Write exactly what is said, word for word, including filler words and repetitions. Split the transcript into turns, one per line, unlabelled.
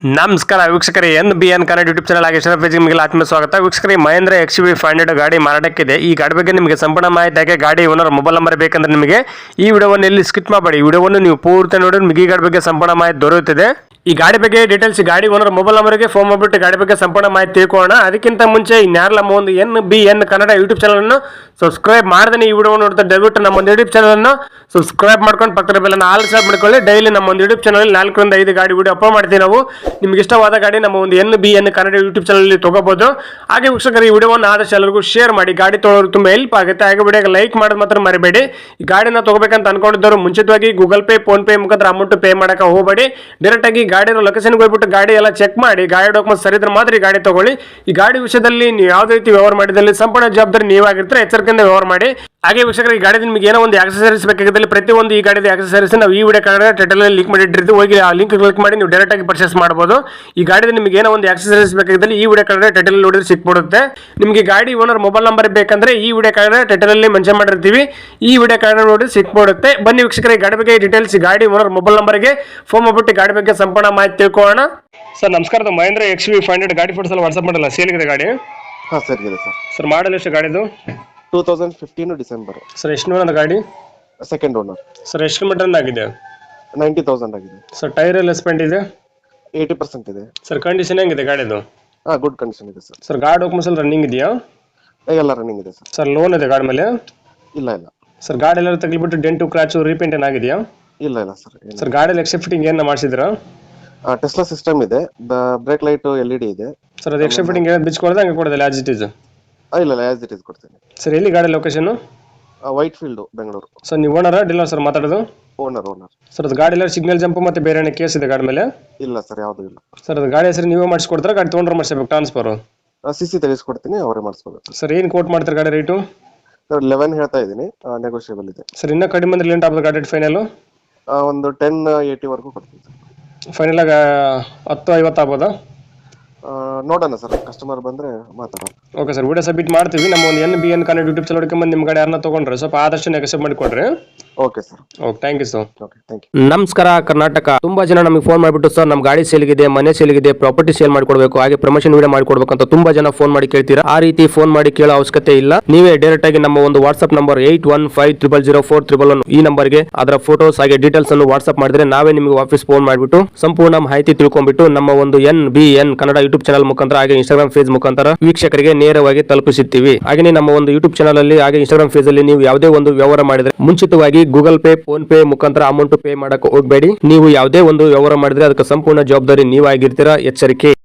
ನಮಸ್ಕಾರ ವೀಕ್ಷಕರೇ, N B N Kannada YouTube channel ಆಗಿ ಪೇಜ್ ನಿಮಗೆ ಆತ್ಮ ಸ್ವಾಗತ. ವೀಕ್ಷಕರೇ, Mahindra X V five hundred ಗಾಡಿ ಮಾರಾಟಕ್ಕಿದೆ. ಈ ಗಾಡಿ ಬಗ್ಗೆ ನಿಮಗೆ ಸಂಪೂರ್ಣ ಮಾಹಿತಿ ಹಾಗೆ ಗಾಡಿ ಓನರ್ ಮೊಬೈಲ್ ನಂಬರ್ ಬೇಕಂದ್ರೆ ನಿಮಗೆ ಈ ವಿಡಿಯೋವನ್ನು ಎಲ್ಲಿ ಸ್ಕಿಪ್ ಮಾಡಬೇಡಿ. ಈ ವಿಡಿಯೋವನ್ನು ನೀವು ಪೂರ್ತಿ ನೋಡಿ ನಿಮಗೆ ಈ ಗಾಡಿ ಬಗ್ಗೆ ಸಂಪೂರ್ಣ ಮಾಹಿತಿ ದೊರೆಯುತ್ತದೆ. ಈ ಗಾಡಿ ಬಗ್ಗೆ ಡೀಟೇಲ್ಸ್ ಗಾಡಿ ಓನರ್ ಮೊಬೈಲ್ ನಂಬರ್ಗೆ ಫೋನ್ ಮಾಡಿಬಿಟ್ಟು ಗಾಡಿ ಬಗ್ಗೆ ಸಂಪೂರ್ಣ ಮಾಹಿತಿ ತಿಳ್ಕೊಳ್ಳೋಣ. ಅದಕ್ಕಿಂತ ಮುಂಚೆ ಇನ್ಯಾರಲ್ಲ ನಮ್ಮ ಒಂದು N B N Kannada YouTube channel ಅನ್ನು ಸಬ್ಸ್ಕ್ರೈಬ್ ಮಾಡದೇ ಈ ವಿಡಿಯೋ ನೋಡ್ತಾ ದಯವಿಟ್ಟು ನಮ್ಮ ಒಂದು ಯೂಟ್ಯೂಬ್ ಚಾನಲ್ ಅನ್ನು ಸಬ್ಸ್ಕ್ರೈಬ್ ಮಾಡ್ಕೊಂಡು ಪಕ್ಕದ ಬೆಲ್ಲನ್ನು ಆಲ್ ಸಬ್ ಮಾಡ್ಕೊಳ್ಳಿ. ಡೈಲಿ ನಮ್ಮ ಒಂದು ಯೂಟ್ಯೂಬ್ ಚಾನಲ್ ನಾಲ್ಕರಿಂದ ಐದು ಗಾಡಿ ವಿಡಿಯೋ ಅಪ್ಲೋಡ್ ಮಾಡ್ತೀವಿ ನಾವು. ನಿಮ್ಗೆ ಇಷ್ಟವಾದ ಗಾಡಿ ನಮ್ಮ ಒಂದು N B N Kannada YouTube channel ತಗೋಬಹುದು. ಹಾಗೆ ವೀಕ್ಷಕರು, ಈ ವಿಡಿಯೋವನ್ನು ಆದಷ್ಟು ಎಲ್ಲರಿಗೂ ಶೇರ್ ಮಾಡಿ. ಗಾಡಿ ತೊಗೊಳ್ಳೋರು ತುಂಬಾ ಹೆಲ್ಪ್ ಆಗುತ್ತೆ. ಹಾಗೆ ವಿಡಿಯೋಗೆ ಲೈಕ್ ಮಾಡೋದು ಮಾತ್ರ ಮರಿಬೇಡಿ. ಈ ಗಾಡಿನ ತಗೋಬೇಕಂತ ಅನ್ಕೊಂಡಿದ್ದವರು ಮುಂಚಿತವಾಗಿ ಗೂಗಲ್ ಪೇ ಫೋನ್ ಪೇ ಮುಖಾಂತರ ಅಮೌಂಟ್ ಪೇ ಮಾಡಕ್ಕೆ ಹೋಗಬೇಡಿ. ಡೈರೆಕ್ಟ್ ಆಗಿ ಗಾಡಿ ಲೊಕೇಶನ್ಗೆ ಹೋಗ್ಬಿಟ್ಟು ಗಾಡಿ ಎಲ್ಲ ಚೆಕ್ ಮಾಡಿ, ಗಾಡಿ ಡಾಕ್ಯುಮೆಂಟ್ ಸರಿ ಇದ್ರೆ ಮಾತ್ರ ಈ ಗಾಡಿ ತಗೊಳ್ಳಿ. ಈ ಗಾಡಿ ವಿಷಯದಲ್ಲಿ ನೀವು ಯಾವುದೇ ರೀತಿ ವ್ಯವಹಾರ ಮಾಡಿದಲ್ಲಿ ಸಂಪೂರ್ಣ ಜವಾಬ್ದಾರಿ ನೀವಾಗಿರ್ತಾರೆ. ಎಚ್ಚರಿಕೆಯಿಂದ ವ್ಯವಹಾರ ಮಾಡಿ. ಹಾಗೆ ವೀಕ್ಷಕರು, ಈ ಗಾಡಿ ನಿಮಗೆ ಏನೋ ಒಂದು ಆಕ್ಸೆಸರೀಸ್ ಬೇಕಾಗಿದ್ದಲ್ಲಿ ಪ್ರತಿಯೊಂದು ಈ ಗಾಡಿದ ಆಕ್ಸೆಸರೀಸ್ ನಾವು ಈ ವಿಡಿಯೋ ಕಾರ್ಡ್ ಟೈಟಲ್ ಲಿಂಕ್ ಮಾಡಿಟ್ಟಿರ್ತೀವಿ. ಹೋಗಿ ಆ ಲಿಂಕ್ ಕ್ಲಿಕ್ ಮಾಡಿ ನೀವು ಡೈರೆಕ್ಟ್ ಆಗಿ ಪರ್ಚೇಸ್ ಮಾಡಬಹುದು. ಈ ಗಾಡಿದ ನಿಮಗೆ ಏನೋ ಒಂದು ಆಕ್ಸೆಸರೀಸ್ ಬೇಕಾಗಿದ್ದಲ್ಲಿ ಈ ವಿಡಿಯೋ ಕಾರ್ಡ್ ಟೈಟಲ್ ನೋಡಿದ್ರೆ ಸಿಕ್ಬಿಡುತ್ತೆ. ನಿಮಗೆ ಗಾಡಿ ಓನರ್ ಮೊಬೈಲ್ ನಂಬರ್ ಬೇಕಂದ್ರೆ ಈ ವಿಡಿಯೋ ಕಾರ್ಡ್ ಟೈಟಲ್ ಅಲ್ಲಿ ಮೆನ್ಷನ್ ಮಾಡಿರ್ತೀವಿ. ಈ ವಿಡಿಯೋ ಕಾರ್ಡ್ ನೋಡಿ ಸಿಕ್ಬಿಡುತ್ತೆ. ಬನ್ನಿ ವೀಕ್ಷಕರೇ, ಗಾಡಿ ಬಗ್ಗೆ ಡೀಟೇಲ್ಸ್ ಗಾಡಿ ಓನರ್ ಮೊಬೈಲ್ ನಂಬರ್ಗೆ ಫೋನ್ ಮಾಡ್ಬಿಟ್ಟು ಗಾಡಿ ಬಗ್ಗೆ ಸಂಪೂರ್ಣ ಮಾಹಿತಿ ತಿಳ್ಕೊಳ್ಳೋಣ. ಸರ್ ನಮಸ್ಕಾರ, Mahindra X V five hundred ಗಾಡಿ ಫೋಟೋಸ್ ಎಲ್ಲ ವಾಟ್ಸ್ಆಪ್ ಮಾಡಲ್ಲ, ಸೇಲ್ಗಿದೆ ಗಾಡಿ?
ಹಾಂ ಸರ್, ಇದೆ ಸರ್.
ಸರ್ ಮಾಡಲ್ ಎಷ್ಟು ಗಾಡಿದು?
Two thousand fifteen December.
Sir ಎಷ್ಟು ಓನರ್ ಗಾಡಿ?
Second owner.
ಸರ್ ಎಷ್ಟು ಕಿಲೋಮೀಟರ್ ಆಗಿದೆ?
ನೈಂಟಿ ತೌಸಂಡ್ ಆಗಿದೆ.
ಸರ್ ಟೈರ್ ಎಲ್ಲ ಸ್ಪೆಂಡ್ ಇದೆ?
ಏಯ್ಟಿ ಪರ್ಸೆಂಟ್ ಇದೆ.
ಸರ್ ಕಂಡೀಷನ್ ಹೆಂಗಿದೆ ಗಾಡಿದು?
ಹಾಂ, ಗುಡ್ ಕಂಡೀಷನ್ ಇದೆ ಸರ್.
ಸರ್ ಗಾಡಿ ಡಾಕ್ಯುಮೆಂಟ್ಸ್ ಎಲ್ಲ ರನ್ನಿಂಗ್ ಇದೆಯಾ?
ಎಲ್ಲ ರನ್ನಿಂಗ್ ಇದೆ ಸರ್.
ಸರ್ ಲೋನ್ ಇದೆ ಗಾಡಿ ಮೇಲೆ?
ಇಲ್ಲ ಇಲ್ಲ.
ಸರ್ ಗಾಡಿ ಎಲ್ಲ ತಗ್ಲಿಬಿಟ್ಟು ಡೆಂಟು ಕ್ರಾಚು ರೀಪೇಂಟ್ ಏನಾಗಿದೆಯಾ?
ಇಲ್ಲ ಇಲ್ಲ ಸರ್.
ಸರ್ ಗಾಡಿಯಲ್ಲಿ ಎಕ್ಸ್ಟ್ರಾ ಫಿಟ್ಟಿಂಗ್ ಏನು ಮಾಡಿಸಿದ್ರಾ?
ಟೆಸ್ಲಾ ಸಿಸ್ಟಮ್ ಇದೆ. Brake light L E D ಇದೆ.
ಸರ್ ಅದು ಎಕ್ಸ್ಟ್ರಾ ಫಿಟ್ಟಿಂಗ್ ಏನು ಬಿಚ್ ಕೊಡೋದು ಹಂಗೆ ಕೊಡೋದಿಲ್ಲ ಆಸ್ ಇಟ್ ಈಸ್?
ಇಲ್ಲ ಇಲ್ಲ, ಆಸ್ ಇಟ್ ಈಸ್ ಕೊಡ್ತೀನಿ.
ಸರ್ ಎಲ್ಲಿ ಗಾಡಿ location?
Whitefield, Bengaluru.
Sir ನೀವು ಓನರಾ ಡೀಲರ್ ಸರ್ ಮಾತಾಡೋದು?
Owner owner.
ಸರ್ ಅದು ಗಾಡಿ ಎಲ್ಲ ಸಿಗ್ನಲ್ ಜಂಪ್ ಮತ್ತೆ ಬೇರೆ ಏನೋ ಕೇಸ್ ಇದೆ ಗಾಡಿ ಮೇಲೆ?
ಇಲ್ಲ ಸರ್, ಯಾವುದೂ ಇಲ್ಲ.
ಸರ್ ಅದು ಗಾಡಿ ಹೆಸರು ನೀವೇ ಮಾಡಿಸ್ಕೊಡ್ತಾರೆ, ಗಾಡಿ ತೊಗೊಂಡ್ರೆ ಮಾಡಿಸ್ಬೇಕು ಟ್ರಾನ್ಸ್ಫರ್?
ಸಿ ಸಿ ತೆಗೆಸ್ಕೊಡ್ತೀನಿ, ಅವರೇ ಮಾಡಿಸ್ಕೋಬೇಕು.
ಸರ್ ಏನು ಕೋಟ್ ಮಾಡ್ತಾರೆ ಗಾಡಿ ರೇಟು?
ಸರ್ ಲೆವೆನ್ ಹೇಳ್ತಾ ಇದ್ದೀನಿ, ನೆಗೋಷಿಯಬಲ್ ಇದೆ.
ಸರ್ ಇನ್ನೂ ಕಡಿಮೆ ಅಂದ್ರೆ ಲೇಟ್ ಆಗ್ಬೋದು ಗಾಡಿ ಫೈನಲ್?
ಒಂದು ಟೆನ್ ಏಯ್ಟಿವರೆಗೂ ಕೊಡ್ತೀನಿ ಸರ್.
ಫೈನಲ್ ಆಗ ಹತ್ತು ಐವತ್ತು ಆಗ್ಬೋದಾ?
ನೋಡೋಣ ಸರ್, ಕಸ್ಟಮರ್ ಬಂದರೆ ಮಾತಾಡೋಣ.
ಓಕೆ ಸರ್, ವಿಡಿಯೋ ಸಬ್ಮಿಟ್ ಮಾಡ್ತೀವಿ. ನಮ್ಮ ಒಂದು N B N Kannada YouTube channel ಬಂದು ನಿಮ್ಮ ಗಾಡಿ ಯಾರನ್ನ ತೊಗೊಂಡ್ರೆ ಸ್ವಲ್ಪ ಆದಷ್ಟು ನೆಗೋಷಿಯೇಟ್ ಮಾಡಿಕೊಡ್ರಿ.
Okay sir.
Okay, thank you sir.
Okay, thank you.
ನಮಸ್ಕಾರ ಕರ್ನಾಟಕ. ತುಂಬಾ ಜನ ನಮಗೆ ಫೋನ್ ಮಾಡಿಬಿಟ್ಟು ಸರ್ ನಮ್ಮ ಗಾಡಿ ಸೇಲ್ಗಿದೆ, ಮನೆ ಸೇಲ್ಗಿದೆ, ಪ್ರಾಪರ್ಟಿ ಸೇಲ್ ಮಾಡಿಕೊಡ್ಬೇಕು, ಹಾಗೆ ಪ್ರಮೋಷನ್ ವಿಡಿಯೋ ಮಾಡಿಕೊಡ್ಬೇಕು ಅಂತ ತುಂಬಾ ಜನ ಫೋನ್ ಮಾಡಿ ಕೇಳ್ತೀರಾ. ಆ ರೀತಿ ಫೋನ್ ಮಾಡಿ ಕೇಳೋ ಅವಶ್ಯಕತೆ ಇಲ್ಲ. ನೀವೇ ಡೈರೆಕ್ಟ್ ಆಗಿ ನಮ್ಮ ಒಂದು WhatsApp number eight one five triple zero four triple one ಈ ನಂಬರ್ಗೆ ಅದರ ಫೋಟೋಸ್ ಹಾಗೆ ಡೀಟೇಲ್ಸ್ ಅನ್ನು ವಾಟ್ಸ್ಆಪ್ ಮಾಡಿದ್ರೆ ನಾವೇ ನಿಮಗೆ ವಾಪಸ್ ಫೋನ್ ಮಾಡಿಬಿಟ್ಟು ಸಂಪೂರ್ಣ ಮಾಹಿತಿ ತಿಳ್ಕೊಂಡ್ಬಿಟ್ಟು ನಮ್ಮ ಒಂದು N B N Kannada YouTube channel ಮುಖಾಂತರ ಹಾಗೆ ಇನ್ಸ್ಟಾಗ್ರಾಮ್ ಫೇಸ್ ಮುಖಾಂತರ ವೀಕ್ಷಕರಿಗೆ ನೇರವಾಗಿ ತಲುಪಿಸುತ್ತೀವಿ. ಹಾಗೆ ನಮ್ಮ ಒಂದು ಯೂಟ್ಯೂಬ್ ಚಾನಲ್ ಅಲ್ಲಿ ಹಾಗೆ ಇನ್ಸ್ಟಾಗ್ರಾಮ್ ಫೇಸ್ ಅಲ್ಲಿ ನೀವು ಯಾವುದೇ ಒಂದು ವ್ಯವಹಾರ ಮಾಡಿದ್ರೆ ಮುಂಚಿತವಾಗಿ ಗೂಗಲ್ ಪೇ ಫೋನ್ ಪೇ ಮುಖಾಂತರ ಅಮೌಂಟ್ ಪೇ ಮಾಡಕ್ಕೆ ಹೋಗಬೇಡಿ. ನೀವು ಯಾವುದೇ ಒಂದು ವ್ಯವಹಾರ ಮಾಡಿದ್ರೆ ಅದಕ್ಕೆ ಸಂಪೂರ್ಣ ಜವಾಬ್ದಾರಿ ನೀವಾಗಿರ್ತೀರಾ. ಎಚ್ಚರಿಕೆ.